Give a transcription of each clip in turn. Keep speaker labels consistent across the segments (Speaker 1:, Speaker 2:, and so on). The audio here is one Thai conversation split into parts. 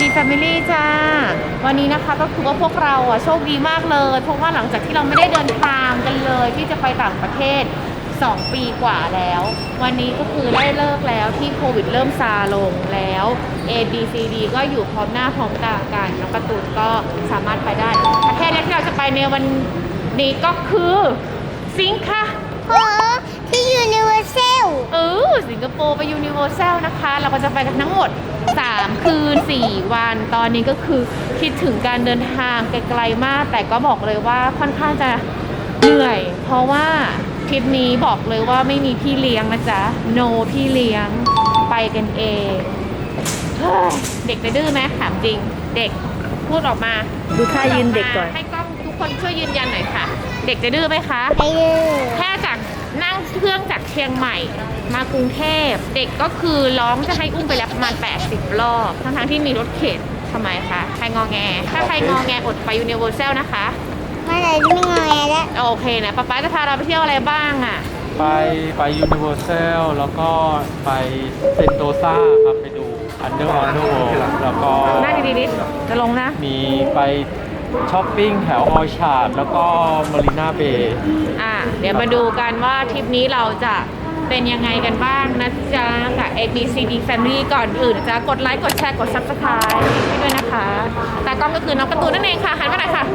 Speaker 1: Family จ้าวันนี้นะคะก็คือว่าพวกเราโชคดีมากเลยเพราะว่าหลังจากที่เราไม่ได้เดินทางกันเลยที่จะไปต่างประเทศ2 ปีกว่าแล้ววันนี้ก็คือได้เลิกแล้วที่โควิดเริ่มซาลงแล้ว A B C D ก็อยู่พร้อมหน้าพร้อมตากันน้องการ์ตูนก็สามารถไปได้ประเทศแรกที่เราจะไปในวันนี้ก็คือสิงคโปร์
Speaker 2: ที่ยูนิเวอร์แซล
Speaker 1: สิงคโปร์ไปยูนิเวอร์แซลนะคะเราก็จะไปกันทั้งหมด3 คืน 4 วันตอนนี้ก็คือคิดถึงการเดินทางไกลๆมากแต่ก็บอกเลยว่าค่อนข้างจะเหนื่อยเพราะว่าทริปนี้บอกเลยว่าไม่มีพี่เลี้ยงนะจ๊ะ no พี่เลี้ยงไปกันเองเด็กจะดื้อไหมถามจริงเด็กพูดออกมา
Speaker 3: ดูท่ายืนเด็กก่อน
Speaker 1: ให้กล้องทุกคนช่วยยืนยันหน่อยค่ะเด็กจะดื้อไหมคะ
Speaker 2: ไม่ดื้อ
Speaker 1: แค่จากนั่งเครื่องจากเชียงใหม่มากรุงเทพเด็กก็คือร้องจะให้อุ้มไปแล้วประมาณ80 รอบทั้งที่มีรถเข็นทำไมคะใครงอแงถ้าใครงอแงอดไปยูนิเวอร์แซลนะคะ
Speaker 2: เมื่อไหร่ไม่งอแงแล้ว
Speaker 1: โอเคนะป๊าจะพาเราไปเที่ยวอะไรบ้างอ่ะ
Speaker 4: ไปยูนิเวอร์แซลแล้วก็ไปเซนโตซาครับไปดูอันเดอร์วอเตอร์เวิลด์แล้วก็
Speaker 1: นั่งดีๆจะลงนะ
Speaker 4: มีไปช้อปปิ้งแถวออชาร์ดแล้วก็มารีนาเบย์
Speaker 1: เดี๋ยวมาดูกันว่าทริปนี้เราจะเป็นยังไงกันบ้างนะจ๊ะกับ ABCD Family ก่อนอื่นจะกดไลค์กดแชร์กด Subscribe ให้ด้วยนะคะตากล้องก็คือน้องการ์ตูนนั่นเองค่ะหันมาหน่อยค่ะ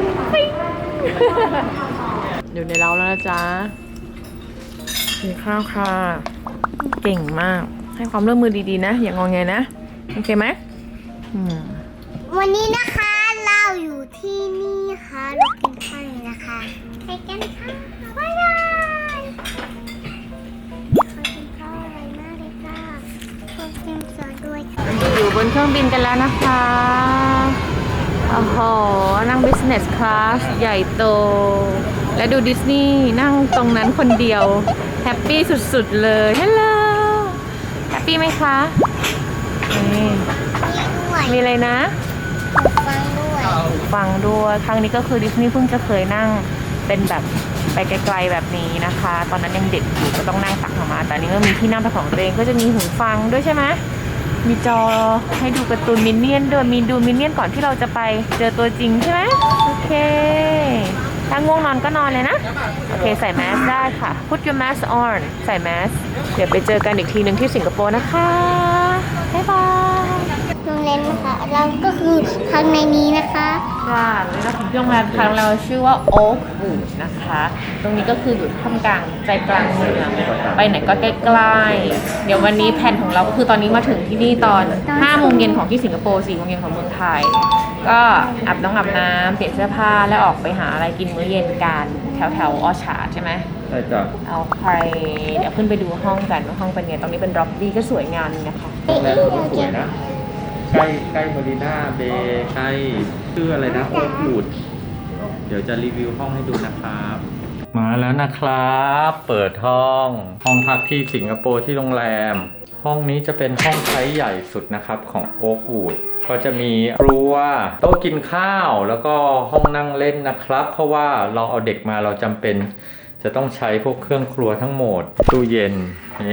Speaker 1: อยู่ในเราแล้วนะจ๊ะกินข้าวค่ะเก่งมากให้ความร่วมมือดีๆนะอย่างงอแงนะโอเคไหม
Speaker 2: วันนี้นะคะเราอยู่ที่นี่ค่ะเรากินข้าวนะคะไปกันค่ะบ๊ายบายกินข้าวอร่อยมากเลยค่ะขอบคุณสอนด้วย
Speaker 1: อยู่บนเครื่องบินกันแล้วนะคะโอ้โหนั่ง business class ใหญ่โตและดูดิสนีย์นั่งตรงนั้นคนเดียวแฮปปี้สุดๆเลยฮัลโหลแฮปปี้ไหมคะมีอะไรนะฟังด้วยครั้งนี้ก็คือดิสนีย์เพิ่งจะเคยนั่งเป็นแบบไปไกลๆแบบนี้นะคะตอนนั้นยังเด็กอยู่ก็ต้องนั่งตักออกมาแต่นี้ก็มีที่นั่งเป็นของตัวเองก็จะมีหูฟังด้วยใช่ไหมมีจอให้ดูการ์ตูนมินเนี่ยนด้วยมีดูมินเนี่ยนก่อนที่เราจะไปเจอตัวจริงใช่ไหมโอเคถ้าง่วงนอนก็นอนเลยนะโอเคใส่แมสได้ค่ะ put your mask on ใส่แมสเดี๋ยวไปเจอกันอีกทีหนึ่งที่สิงคโปร์นะคะบ๊ายบาย
Speaker 2: โรงแรมนะคะเราก็คือข้างในนี้นะคะ
Speaker 1: ค่ะนี่เราถึงที่โรงแรมค่ะเราชื่อว่า Oakwood นะคะตรงนี้ก็คืออยู่ท่ามกลางใจกลางเมืองไปไหนก็ใกล้ๆเดี๋ยววันนี้แผนของเราก็คือตอนนี้มาถึงที่นี่ตอน5 โมงเย็นของที่สิงคโปร์4 โมงเย็นของเมืองไทยก็อาบน้ำเปลี่ยนเสื้อผ้าแล้วออกไปหาอะไรกินมื้อเย็นกันแถวออชาร์ดใช่ไหม
Speaker 4: ใช่จ้ะ
Speaker 1: เอาใครเดี๋ยวขึ้นไปดูห้องกันว่าห้องเป็นไงตรงนี้เป็นล็อบบี้ก็สวยงามนะคะ
Speaker 4: โรงแรมก็สวยนะใกล้มารีนาเบย์ใกล้ชื่ออะไรนะโอ๊ควูดเดี๋ยวจะรีวิวห้องให้ดูนะครับมาแล้วนะครับเปิดห้องพักที่สิงคโปร์ที่โรงแรมห้องนี้จะเป็นห้องใช้ใหญ่สุดนะครับของโอ๊ควูดก็จะมีครัวโต๊ะกินข้าวแล้วก็ห้องนั่งเล่นนะครับเพราะว่าเราเอาเด็กมาเราจำเป็นจะต้องใช้พวกเครื่องครัวทั้งหมดตู้เย็น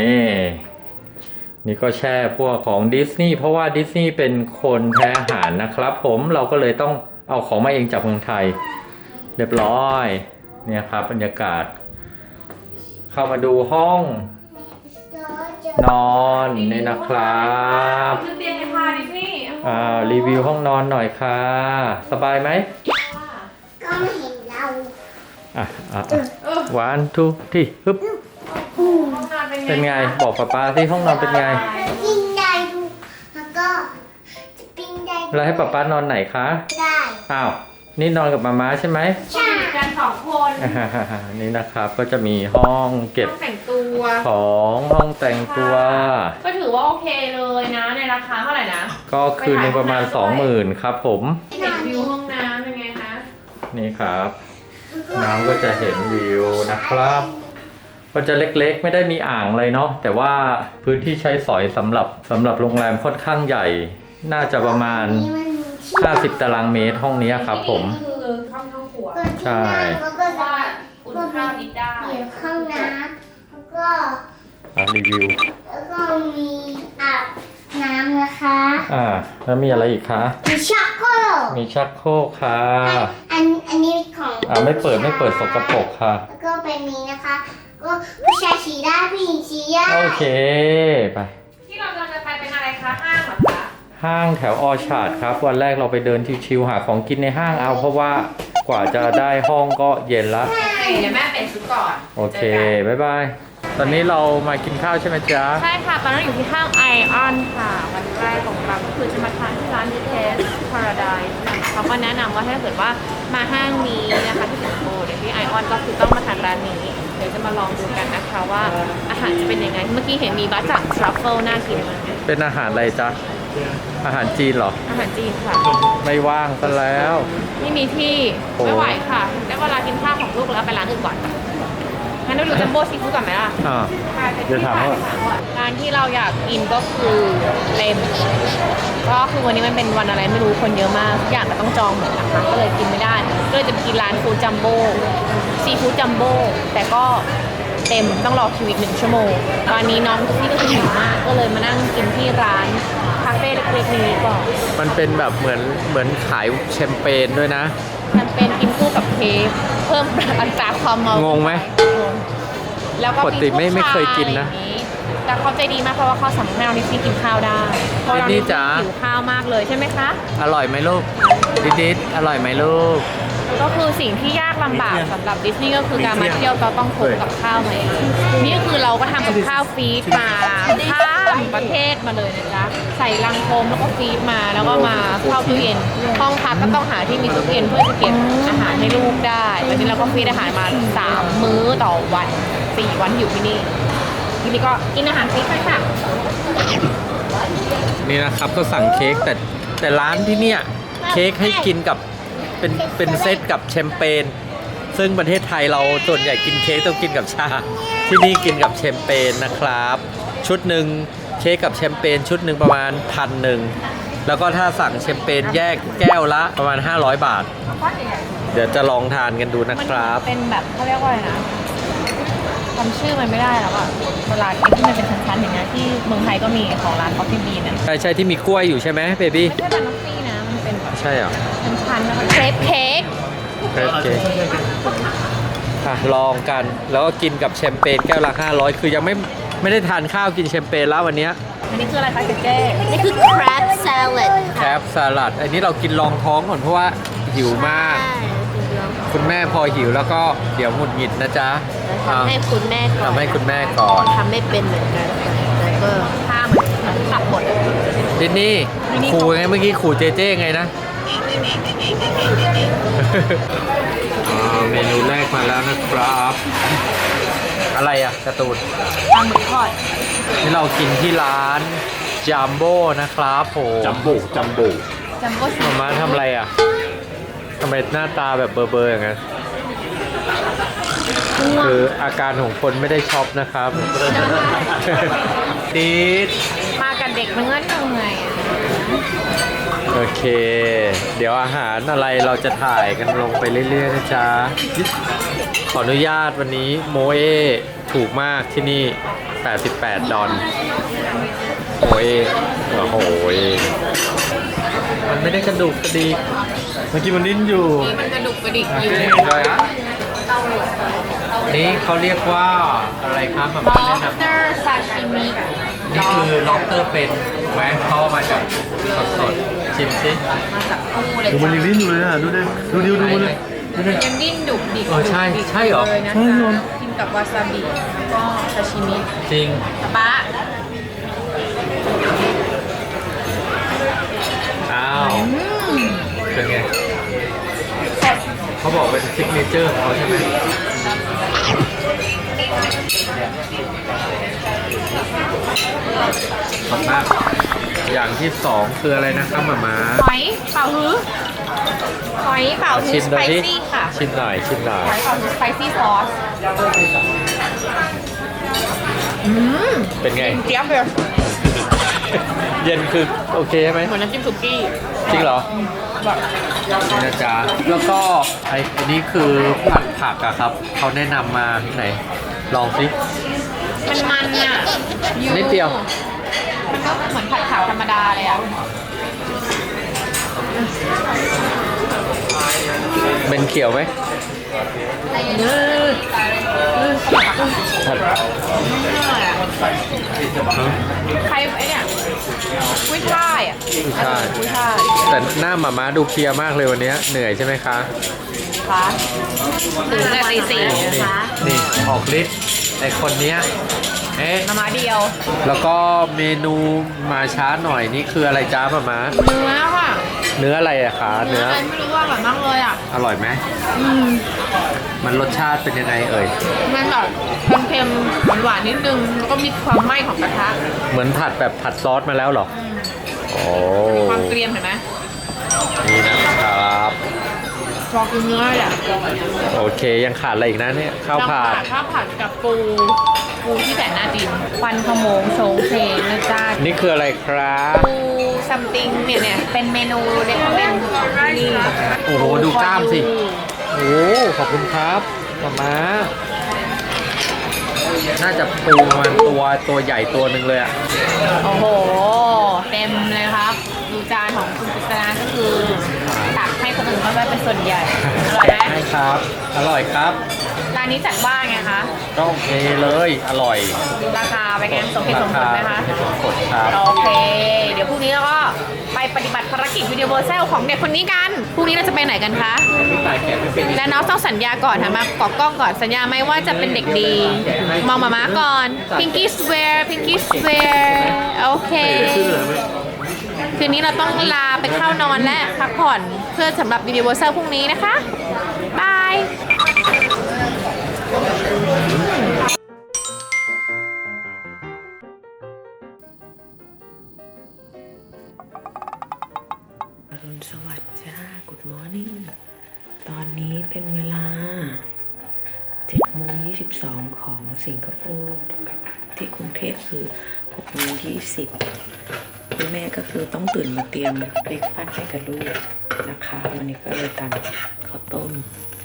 Speaker 4: นี่ก็แช่พวกของดิสนีย์เพราะว่าดิสนีย์เป็นคนแพ้อาหารนะครับผมเราก็เลยต้องเอาของมาเองจากเมืองไทยเรียบร้อยเนี่ยครับบรรยากาศเข้ามาดูห้องนอนนี่นะครับรีวิวห้องนอนหน่อยค่ะสบายไหม
Speaker 2: ก็ไม่เห็นเรา
Speaker 4: 1 2 3ฮึบเป็นไงบอกป๊าที่ห้องนอนเป็นไง
Speaker 2: ปิ้งได้ดูแล้วก็จะปิ้งได้
Speaker 4: แล้วให้ป๊านอนไหนคะ
Speaker 2: ได้
Speaker 4: อ้าวนี่นอนกับมาม่าใช่ไหม
Speaker 2: ใช่
Speaker 1: กัน2 คน
Speaker 4: นี่นะครับก็จะมีห้องเก็บ
Speaker 1: แต่งตัว
Speaker 4: ของห้องแต่งตัว
Speaker 1: ก็ถือว่าโอเคเลยนะในราคาเท่าไหร่นะ
Speaker 4: ก็คืนนึงประมาณ 20,000 ครับผม
Speaker 1: เห็นวิวห้องน้ำเป็นไงคะ
Speaker 4: นี่ครับน้ำก็จะเห็นวิวนะครับก็จะเล็กๆไม่ได้มีอ่างเลยเนาะแต่ว่าพื้นที่ใช้สอยสำหรับโรงแรมค่อนข้างใหญ่น่าจะประมาณ50 ตารางเมตรห้องนี้ครับผม
Speaker 1: คือห้องครัว
Speaker 4: ใช่
Speaker 1: แล้วก็อุ่นข้าวนิดได้
Speaker 2: ห้องน้ำแล้วก็
Speaker 4: รีวิว
Speaker 2: แล้วก็มีอาบน้ำนะคะ
Speaker 4: แล้วมีอะไรอีกคะ
Speaker 2: มีชักโครก
Speaker 4: มีชักโครกค่ะ
Speaker 2: อันนี้ของ
Speaker 4: ไม่เปิดสกปรกค่ะ
Speaker 2: แล้วก็เป็นนี้นะคะก็ผู้ชายฉี่ได้ผู้หญิงฉี่ได้
Speaker 4: โอเคไป
Speaker 1: ที่เราจะไปเป็นอะไรคะห้างเหรอคะ
Speaker 4: ห้างแถวออชาร์ดครับ วันแรกเราไปเดินชิวๆหาของกินในห้างเอาเพราะว่ากว่าจะได้ห้องก็เย็นละ
Speaker 1: เดี๋ยวแม่เป็นชุดก่อน
Speaker 4: โอเคบ๊ายบายตอนนี้เรามากินข้าวใช่ไหมจ๊ะ
Speaker 1: ใช่ค่ะ ตอนนั้นอยู่ที่ห้างไอออนค่ะ วันแรกของเราก็คือจะมาทานที่ร้าน BTS Paradise เขาก็แนะนำว่าถ้าเกิดว่ามาห้างนี้นะคะที่สิงคโปร์เดี๋ยวที่ไอออนก็คือต้องมาทานร้านนี้ เดี๋ยวจะมาลองดูกันนะคะว่าอาหารจะเป็นยังไง เมื่อกี้เห็นมีบัสจากทรัฟเฟิลน่ากินมาก
Speaker 4: เป็นอาหารอะไรจ๊ะอาหารจีนเหรอ
Speaker 1: อาหารจีนค่ะ
Speaker 4: ไม่ว่างซะแล้ว
Speaker 1: ไม่มีที่
Speaker 4: โอ้
Speaker 1: ไม่ไหวค่ะได้เวลากินข้าวของลูกแล้วไปร้านอื่นก่อนงั้นเราดูจัมโบ้ซีฟู้ดก่อนไหมล่ะ
Speaker 4: เดี๋ยวถามว่า
Speaker 1: ร้านที่เราอยากกินก็คือเลมก็คือวันนี้มันเป็นวันอะไรไม่รู้คนเยอะมากทุกอย่างก็ต้องจองหมดนะคะก็เลยกินไม่ได้ก็เลยจะไปกินร้านฟู้ดจัมโบ้ซีฟู้ดจัมโบ้แต่ก็เต็มต้องรอคิวอีก1 ชั่วโมงตอนนี้น้องที่ก็คือหิวมากก็เลยมานั่งกินที่ร้านคาเฟ่เล็กๆนี้ก่อน
Speaker 4: มันเป็นแบบเหมือนขายแชมเปญด้วยนะ
Speaker 1: มันเป็นกินคู่กับเค้กเพิ่มอัตราความเมาง
Speaker 4: งไหม
Speaker 1: แล้วก็
Speaker 4: ปกติไม่เคยกินนะ
Speaker 1: อะไรอย่างงี้แต่เขาใจดีมากเพราะว่าเขาสามารถให้เราดิสซี่กินข้าวได้เพราะเราดิสซี่หิวข้าวมากเลยใช่ไหมคะ
Speaker 4: อร่อยไหมลูกดิดอร่อยไหมลูก
Speaker 1: ก็คือสิ่งที่ยากลำบากสำหรับดิสนีย์ก็คือการมาเที่ยวเราต้องพกกับข้าวมาเองนี่คือเราก็ทำกับข้าวฟรีดมาข้ามประเทศมาเลยนะจ๊ะใส่ลังโฟมแล้วก็ฟรีดมาแล้วก็มาเข้าตู้เย็นห้องพักก็ต้องหาที่มีตู้เย็นเพื่อจะเก็บอาหารให้ลูกได้วันนี้เราก็ฟรีดอาหารมา3 มื้อต่อวัน4 วันที่อยู่ที่นี่ทีนี้ก็กินอาหารฟรีไปค่ะ
Speaker 4: นี่นะครับก็สั่งเค้กแต่ร้านที่เนี่ยเค้กให้กินกับเป็นเซตกับแชมเปญซึ่งประเทศไทยเราส่วนใหญ่กินเค้กต้องกินกับชา ที่นี่กินกับแชมเปญนะครับ ชุดหนึ่งเค้กกับแชมเปญชุดหนึ่งประมาณ1,000แล้วก็ถ้าสั่งแชมเปญแยกแก้วละประมาณ500 บาท เดี๋ยวจะลองทานกันดูนะครับ
Speaker 1: มันเป็นแบบเขาเรียกว่าอะไรนะจำชื่อมันไม่ได้แล้วอะเวลาที่มันเป็นชั้นๆอย่างเงี้ยที่เมืองไทยก็มีของร้าน Coffee Bean นะ
Speaker 4: ใช่ที่มีกล้วยอยู่ใช่ไหมเบบี้
Speaker 1: ไม่ใช่บานอฟฟี่นะมันเป็นแบบ
Speaker 4: ใช่เหรอ
Speaker 1: ชั้นๆแล้วก็เครปเค้ก
Speaker 4: เค้กลองกันแล้วก็กินกับแชมเปญแก้วละ500คือยังไม่ได้ทานข้าวกินแชมเปญแล้ววันเนี้ย
Speaker 1: อันนี้คืออะไรคะเจ๊
Speaker 2: นี่คือ crab salad
Speaker 4: แคปสลัดอันนี้เรากินรองท้องก่อนเพราะว่าหิวมาก คุณแม่พอหิวแล้วก็เดี๋ยวหงุดหงิดนะจ๊ะ
Speaker 2: ทำให้คุณแม่ก่อน
Speaker 4: ทำให้คุณแม่ก่อน
Speaker 2: ทำไม่เป็นเหมือนกันแล้วก็
Speaker 1: ข้ามมันตับหมด
Speaker 4: ดินนี่ขู่ไงเมื่อกี้ขู่เจเจไงนะ เมนูแรกมาแล้วนะครับ อะไรอ่ะการ์ตูน
Speaker 1: ปลาหมึกทอด
Speaker 4: ที่เรากินที่ร้านจัมโบ้นะครับผม
Speaker 3: จัมโบ้
Speaker 1: จัมโบ้ซี
Speaker 4: มาทำอะไรอ่ะทำไมหน้าตาแบบเบอร์ๆอย่างนั้นคืออาการของคนไม่ได้ช็อปนะครับ ดีด
Speaker 1: มากับเด็กมันเงื่อนยังไงอะ
Speaker 4: โอเค เดี๋ยวอาหารอะไรเราจะถ่ายกันลงไปเรื่อยๆนะจ๊ะ ขออนุญาตวันนี้โมเอถูกมากที่นี่ 88 ดอลโมเอโอ้โหมันไม่ได้กระดูกกระดิกเมื่อกี้มันดิ้นอยู่
Speaker 1: นี่มันกระดุกกระดิกอยู่
Speaker 4: นี่เขาเรียกว่าอะไรครับแบบ
Speaker 1: ล็
Speaker 4: แนะ
Speaker 1: อบ
Speaker 4: น
Speaker 1: สเตอร์ซาชิมิ
Speaker 4: ำนี่คือล็อบสเตอร์เป็นถูกไหมเขาเอามาจากสดๆชิมสิ
Speaker 1: มาจากคู่เลย
Speaker 3: ดูมันยังดิ้นอยู่เลยอ่ะ ดูดิดูดิดูมันเลยดูดิ
Speaker 1: ยังดิ้นดุกดิก
Speaker 4: ใช่ใช่เหรอ
Speaker 1: เลยนะคะกินกับวาซาบิแล้วก็ซาชิมิ
Speaker 4: จริง
Speaker 1: ป๊า
Speaker 4: อ้าวเป็นไงเขาบอกเป็นซิกเนเจอร์ของเขาใช่ไหมขอบมากอย่างที่สองคืออะไรนะครับหมา
Speaker 1: หอยเป่าฮื้อหอยเป่าฮื้
Speaker 4: ชิ
Speaker 1: อ
Speaker 4: ม
Speaker 1: ส
Speaker 4: หน่
Speaker 1: ไป
Speaker 4: อยดิ
Speaker 1: ซี่ค่ะ
Speaker 4: ชิมหน่อยชิมหน่อย
Speaker 1: หอยเป่าฮื้อสไปซี่ซอส
Speaker 4: เป็นไง
Speaker 1: เจี๊ยบเลย
Speaker 4: เย็นคือโอเคใช่ไหม
Speaker 1: เหมือนน้ำจิ้มสุกี้
Speaker 4: จริงเหรอ
Speaker 1: แบบ
Speaker 4: นี่นะจ๊ะแล้วก็อันนี้คือผัดผักอะครับเขาแนะนำมาไหน ลองสิ
Speaker 1: มันอ่ะ
Speaker 4: นิดเดียว
Speaker 1: มันก็เหมือนผัดผักธรรมดาเลยอ่ะ
Speaker 4: เป็นเขียวไหมผัด
Speaker 1: ใครไอ้เนี่ยกุ้ยช่ายอ่ะ
Speaker 4: ใช่
Speaker 1: กุ้ยช่าย
Speaker 4: แต่หน้าหมาม้าดูเพลียมากเลยวันนี้เหนื่อยใช่ไหมคะ
Speaker 1: คะตื่นแต่ตีสี่
Speaker 4: นี่
Speaker 1: นะคะ
Speaker 4: นี่ออกฤทธิ์ไอคนเนี้ยเอ๊ะ
Speaker 1: มาเดียว
Speaker 4: แล้วก็เมนูมาช้าหน่อยนี่คืออะไรจ้าหมาม้า
Speaker 1: เนื้อค่ะ
Speaker 4: เนื้ออะไรอะคะเนื้อ
Speaker 1: อะไรไม่รู้ว่าอร่อยมากเลยอ่ะ
Speaker 4: อร่อยไหมมันรสชาติเป็นยังไงเอ่ย
Speaker 1: มันแบบเค็มๆหวานๆนิดนึงแล้วก็มีความไหม้ของกระทะ
Speaker 4: เหมือนผัดแบบผัดซอสมาแล้วเหรอโอ้
Speaker 1: ความเกรียมเห็นไหม
Speaker 4: นี่นะครับ
Speaker 1: พอกินเนื้อแหละ
Speaker 4: โอเคยังขาดอะไรอีกนะเนี่ยข้าวผัด
Speaker 1: ข้าวผัดกับปูที่แสนน่ากินควันขโมงโชงเพลงนะจ๊ะ
Speaker 4: นี่คืออะไรครับ
Speaker 1: ปูซัมติงเนี่ยเป็นเมนูเด็กของนี่
Speaker 4: โอ้โหดูกล้ามสิโอ้ขอบคุณครับมาม่าน่าจะปูมันตัวใหญ่ตัวหนึ่งเลยอะ
Speaker 1: โอ้โหเต็มเลยครับดูจานของคุณกฤษณาก็คือตักให้คนอื่นเข้าไปเป็นส่วนใหญ่อร่อยไหม
Speaker 4: ใช่ครับ อร่อยครับ
Speaker 1: ร้านนี้จัดว่าไงคะ
Speaker 4: ก็โอเคเลยอร่อย
Speaker 1: ราคาไปนไงสมเหตุสมผลไหมคะ
Speaker 4: ราคาสมเหตุสมผลครับ
Speaker 1: โอเค เดี๋ยวพรุ่งนี้เราก็ไปปฏิบัติภารกิจวิดีโอเซลของเด็กคนนี้กัน พรุ่งนี้เราจะไปไหนกันคะ และน้องต้องสัญญาก่อนค่ะมากอกล้องก่อนสัญญาไหมว่าจะเป็นเด็กดี มองมาม่าก่อน Pinky swear Pinky swear โอเค คืนนี้เราต้องลาไปเข้านอนและพักผ่อนเพื่อสำหรับวิดีโอเซลพรุ่งนี้นะคะ บาย
Speaker 5: อรุณสวัสดิ์จ้า Good morning ตอนนี้เป็นเวลา7:22ของสิงคโปร์กับที่กรุงเทพคือ6:20คุณแม่ก็คือต้องตื่นมาเตรียมเบรกฟาสต์ให้กับลูกนะคะ วันนี้ก็เลยตำข้าวต้ม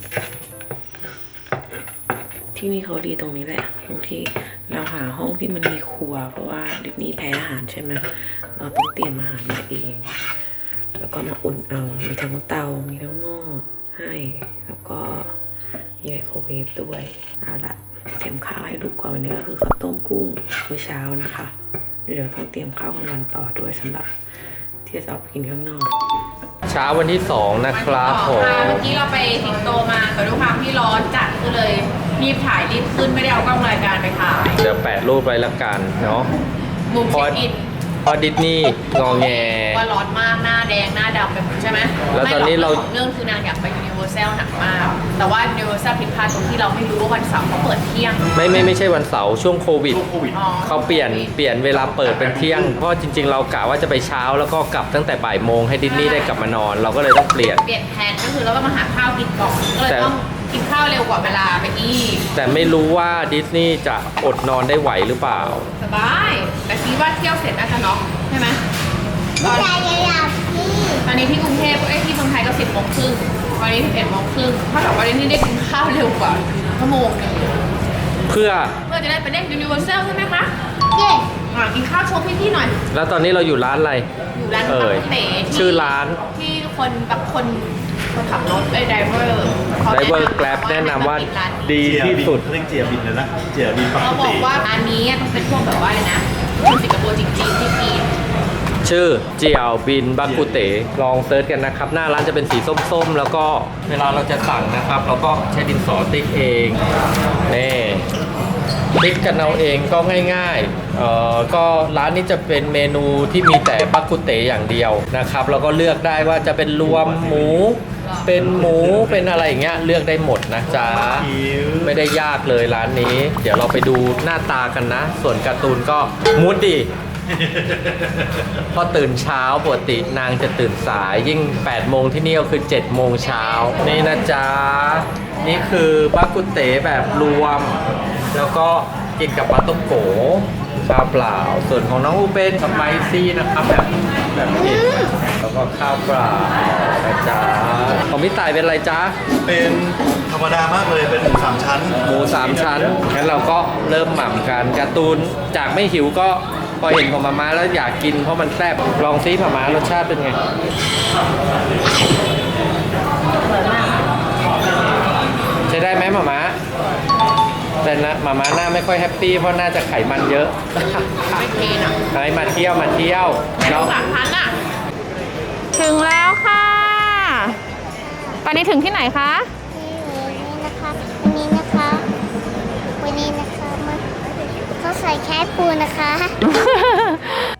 Speaker 5: ที่นี่เขาดีตรงนี้แหละตรงที่เราหาห้องที่มันมีครัว เพราะว่าดิสนีย์แพ้อาหารใช่ไหมเราต้องเตรียมอาหารมาเอง แล้วก็มาอุ่นเอา มีทั้งเตา มีทั้งหม้อให้ แล้วก็มีไมโครเวฟด้วย เอาละเตรียมข้าวให้ลูกก่อนวันนี้ก็คือข้าวต้มกุ้งมื้อเช้านะคะ เดี๋ยวต้องเตรียมข้าวกลางวันต่อด้วยสำหรับที่จะเอาไปกินข้างนอก
Speaker 4: เช้าวันที่ 2 นะครับผม
Speaker 1: เมื่อกี้เราไปสิงโตมาแต่ด้วยความที่ร้อนจัดก็เลยรีบถ่ายรีบขึ้นไม่ได้เอากล้องรายการไปถ่าย
Speaker 4: เดี๋ยวแปะรูปไว้ละกันเนาะ
Speaker 1: มุมเช็คอิน
Speaker 4: พอดิสนีย์งอแง
Speaker 1: ว่าร้อนมากหน้าแดงหน้าดำไปหมดใช่ไหม
Speaker 4: แล้วตอนนี้เรา
Speaker 1: ไม่หกเรื่องคือนางอยากไปยูนิเวอร์แซลหนักมาก แต่ว่ายูนิเวอร์แซลผิดพลาดตรงที่เราไม่รู้ว่าวันเสาร์เขาเปิดเที่ยง
Speaker 4: ไม่ใช่วันเสาร์ช่วงโควิด
Speaker 1: อ๋อ
Speaker 4: เขาเปลี่ยนเวลาเปิดเป็นเที่ยง เพราะจริงๆ เรากะว่าจะไปเช้าแล้วก็กลับตั้งแต่บ่ายโมงให้ดิสนีย์ได้กลับมานอน เราก็เลยต้องเปลี่ยน
Speaker 1: เปลี่ยนแผนก็คือเราต้องมาหาข้าวกินก่อนก็เลยต้องกินข้าวเร็วกว่าเวลาไปอีก
Speaker 4: แต่ไม่รู้ว่าดิสนีย์จะอดนอนได้ไหวหรือเปล่า
Speaker 1: สบาย แต่คิดว่าเที่ยวเสร็จน่าจะน็อกใช่ไหมตอน
Speaker 2: ใจอยากพี่
Speaker 1: ตอนนี้ที่กรุงเทพที่เมืองไทยก็10:30ตอนนี้11:30ถ้ากับว่านี่ได้กินข้าวเร็วกว่าชั่วโมงนึง
Speaker 4: เพื่อ
Speaker 1: จะได้ไปเล่นยูนิเวอร์แซลใช่ไหมคะ
Speaker 2: เย้
Speaker 1: กินข้าวโชว์พี่ๆหน่อย
Speaker 4: แล้วตอนนี้เราอยู่ร้านอะไร
Speaker 1: อยู่ร้าน
Speaker 4: เอ่
Speaker 1: ปั
Speaker 4: ย
Speaker 1: กเต๋ที่
Speaker 4: ชื่อร้าน
Speaker 1: ที่คนขับรถไอ้ไดเวอร์
Speaker 4: Driver Grab แนะนำว่าดีที่สุด
Speaker 3: เรียกเจียบินเลยนะเจียบินปก
Speaker 1: เขาบอ
Speaker 3: ติ
Speaker 1: กว่าร้านนี้ต้องเป็นพวกแบบว่าอะไรนะคนสิงคโปร์จริงๆที่กิน
Speaker 4: ชื่อเจียวบินบักกุเต๋ลองเซิร์ชกันนะครับ หน้าร้านจะเป็นสีส้มๆ แล้วก็เวลาเราจะสั่งนะครับ เราก็ใช้ดินสอติ๊กเองนี่ติ๊กกันเอาเองก็ง่ายๆก็ร้านนี้จะเป็นเมนูที่มีแต่บักกุเต๋อย่างเดียวนะครับแล้วก็เลือกได้ว่าจะเป็นรวมหมู เป็นหมูเป็นอะไรอย่างเงี้ยเลือกได้หมดนะจ๊ะไม่ได้ยากเลยร้านนี้ เดี๋ยวเราไปดูหน้าตากันนะ ส่วนการ์ตูนก็มูดดีพอตื่นเช้าปกตินางจะตื่นสายยิ่ง8 โมงที่นี่ก็คือ7 โมงเช้านี่นะจ๊ะนี่คือบักกุเต๋แบบรวม แล้วก็กินกับปลาต้มโกชาเปล่าส่วนของน้องอูเป็นสไปซี่นะครับแบบเผ็ดแล้วก็ข้าวเปล่านะจ๊ะของพี่ต่ายเป็นอะไรจ๊ะ
Speaker 3: เป็นธรรมดามากเลย เป็นหมูสามชั้น
Speaker 4: หมู3 ชั้นงั้นเราก็เริ่มหม่ำกันการ์ตูนจากไม่หิวก็พอเห็นของมาม่าแล้วอยากกินเพราะมันแซ่บลองซิมาม่ารสชาติเป็นไงใช้ได้ไหมมาม่าแต่นะมาม่าหน้าไม่ค่อยแฮปปี้เพราะน่าจะไขมันเยอะ
Speaker 1: ไม่เทน่ะ
Speaker 4: ไปมาเที่ยวเรา
Speaker 1: 3,000อ่ะ ถึงแล้วค่ะ ตอนนี้ถึงที่ไหนคะ
Speaker 2: นี่นะคะวันนี้นะคะมันเขาใส่แค่ปูนะคะ